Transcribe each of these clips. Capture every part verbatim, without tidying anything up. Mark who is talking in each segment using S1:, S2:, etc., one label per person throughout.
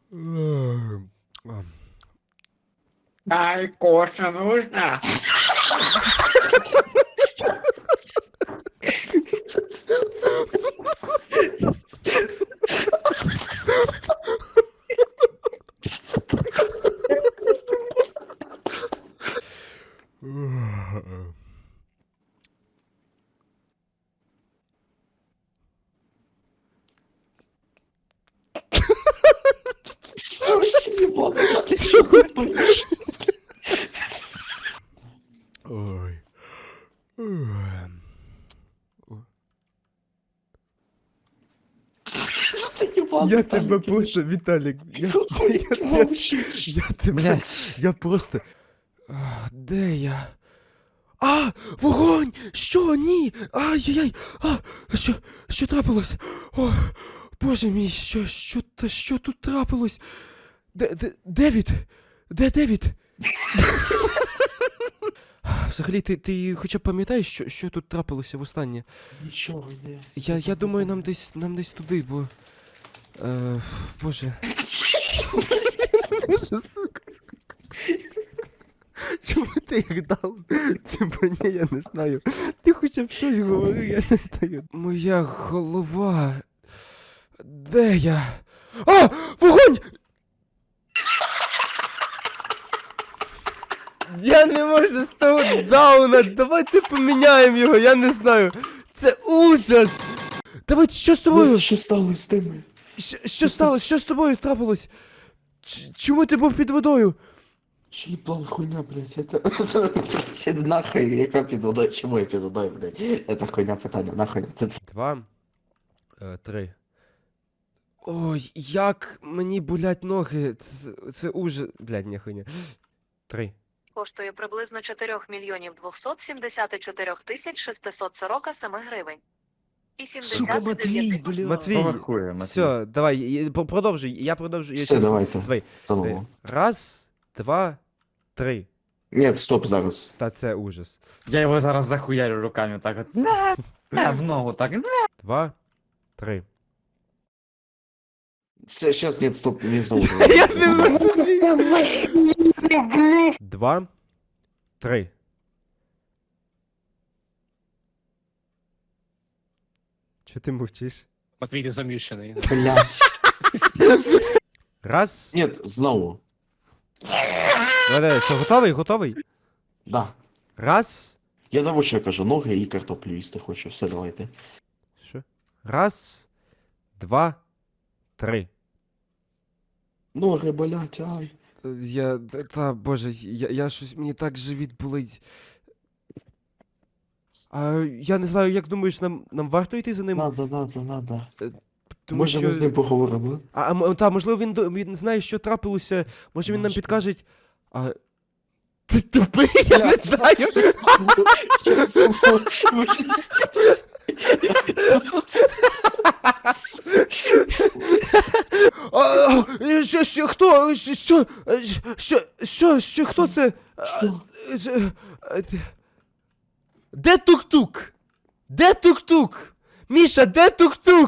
S1: Ай, кофе нужно?
S2: Что вообще не было? Ты что ты стоишь?
S3: Ой.
S2: Ты ебал,
S3: Я
S2: Виталик,
S3: тебе
S2: ты
S3: просто,
S2: ж-
S3: Віталік, я,
S2: Какой
S3: я,
S2: ты
S3: я,
S2: молчишь?
S3: я тебе,
S4: Блять.
S3: я просто... А, де я? А, вогонь! Що? Ні! Ай-яй-яй! А, що, що трапилось? О, боже мій, що, що, та що тут трапилось? Де, де, Девід? Де Девід? Взагалі, ти, ти хоча б пам'ятаєш, що, що тут трапилося востаннє?
S2: Ничего не.
S3: Я, я думаю, нам десь, нам десь туди, бо... Е, боже. Боже, сука. Чому ти їх дав? Типа, ні, я не знаю. Ти хоча б щось говори, я не знаю. Моя голова. Де я? А! Вогонь! Я не можу з того дауна. Давайте поміняємо його, я не знаю. Це ужас! Давай, що з тобою?
S2: Что стало с теми?
S3: Що, що сталося? Що з тобою трапилось? Ч- чому ти був під водою?
S2: Че ебал хуйня, блядь, это... Блядь, нахуй, яка підводой, чому я підводой, блядь? Это хуйня питання, нахуй. Це-
S3: Два. Е, три. Ой, як мені болять ноги. Це, це ужас. Блядь, ні хуйня. Три.
S5: Коштує приблизно чотири мільйонів двісті сімдесят чотири тисяч шістсот сорок сім гривень. І
S2: Сука,
S5: сімдесят
S2: Матвій,
S5: дев'ять
S2: бля.
S3: Матвій,
S4: Хуя, Матвій.
S3: все, давай, і- по- продовжуй, я продовжую. Я
S2: Все,
S3: щас-
S2: давайте.
S3: Давай.
S2: Заново.
S3: Раз, два, три.
S2: Нет, стоп, зараз.
S3: Та це ужас.
S4: Я його зараз захуярю руками так от. На, на, в ногу так. На.
S3: Два, три.
S2: Це, щас, нет, стоп, не знову.
S3: Я не розумію. Два, три. Чого ти мовчиш?
S1: Матвій, ти заміщений.
S2: Блядь.
S3: Раз.
S2: Нет, знову.
S3: Давай, давай, все, готовий, готовий?
S2: Да.
S3: Раз.
S2: Я забув, що я кажу, ноги і картоплю їсти хочу. Все, давайте.
S3: Що? Раз, два, три.
S2: Ноги болять, ай.
S3: Я. Та, боже, я, я щось. Мені так живіт болить. А я не знаю, як думаєш, нам, нам варто йти за ним?
S2: Надо, надо, надо.
S3: Тому
S2: Може ми з ним поговоримо?
S3: А, а м- та, можливо, він, до- він знає, що трапилося. Може він нам
S2: Може.
S3: підкаже. А. Ти тупий, я не знаю.
S2: Я забув.
S3: А, а, що, що, хто? Що, що, що, що, що, хто це?
S2: Що?
S3: А, це- а, це- Де тук-тук? Де тук-тук? Міша, де тук-тук?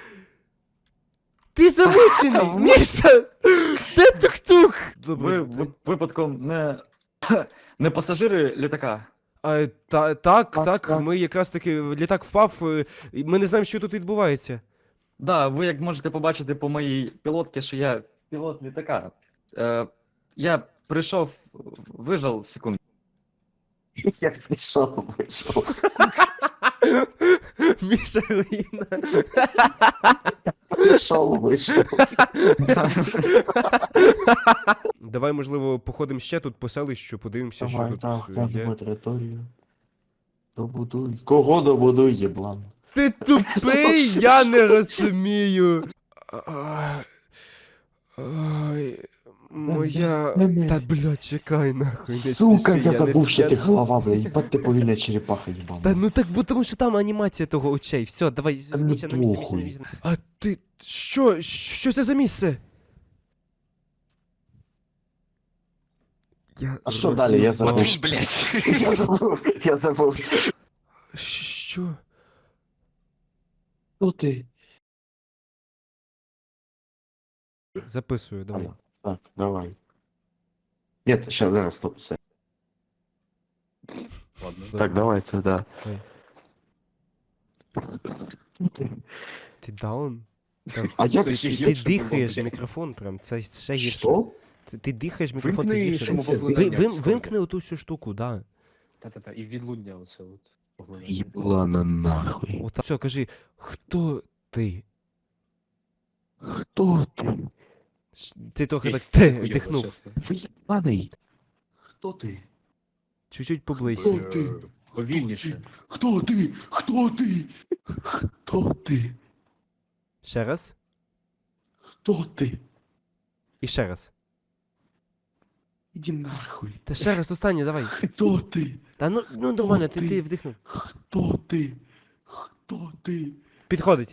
S3: Ти замучений, Міша! Де тук-тук?
S4: Ви ви- випадком не, не пасажири літака.
S3: А, та, так, так,
S2: Так, так.
S3: ми якраз таки, літак впав, е, і ми не знаємо, що тут відбувається.
S4: Да, ви як можете побачити по моїй пілотці, що я пілот літака. Е, я прийшов, вижав секунду.
S2: Я прийшов, вийшов.
S3: Міша руїна.
S2: Прийшов, вийшов.
S3: Давай, можливо, походимо ще тут по селищу, подивимося, що
S2: Давай,
S3: тут
S2: так,
S3: е,
S2: глянемо
S3: є.
S2: територію. Добудуй. Кого добудуй, єблан?
S3: Ти тупий, я не розумію. Ай, ай, моя... Та, блядь, чекай, нахуй, не
S6: Сука,
S3: спіши,
S6: я
S3: не
S6: забув, що ти
S3: я-
S6: голова, бля, їбать ти повільна черепаха, їбана.
S3: Та ну так, бо тому що там анімація того очей. Все, давай,
S6: Та ну
S3: Міся, на місце, Міся, на
S6: похуй.
S3: місце. А ти, що, що це за місце? Я
S6: А що далі? Я забув.
S2: Матвій,
S1: блядь.
S6: Я забув, я забув.
S3: Що?
S6: Хто ти?
S3: Записую, давай.
S6: Ага. Так, давай. Нет, сейчас, зараз, стоп, все.
S1: Ладно.
S6: Так, давай, це да.
S3: Давай. Ти даун? Та-
S6: А я
S3: Ти,
S6: ще
S3: ти, ти
S6: гірше
S3: дихаєш в
S6: було,
S3: мікрофон прям, це ще гірше.
S6: Що?
S3: Ти, ти дихаєш в мікрофон, це
S1: Вимкни
S3: гірше.
S1: шумопоглинання.
S3: Ви, вим, вимкни оту всю штуку, да.
S1: Та-та-та, і відлуння оце от. поглинання.
S6: Єблана нахуй.
S3: От все, кажи, хто ти?
S6: Хто ти?
S3: Ш- Ти трохи
S1: Ей,
S3: так те,
S1: хуйово,
S3: дихнув.
S1: чесно.
S6: Виєбаний. Хто ти?
S3: Чуть-чуть поближче.
S6: Хто ти?
S1: Е, Повільніше.
S6: Хто ти? Хто ти? Хто ти?
S3: Ще раз.
S6: Хто ти?
S3: І ще раз.
S6: Іди нахуй.
S3: Та ще раз останнє, давай.
S6: Хто ти?
S3: Та ну, ну нормально, ти,
S6: ти?
S3: ти вдихнув.
S6: Хто ти? Хто ти?
S3: Підходить.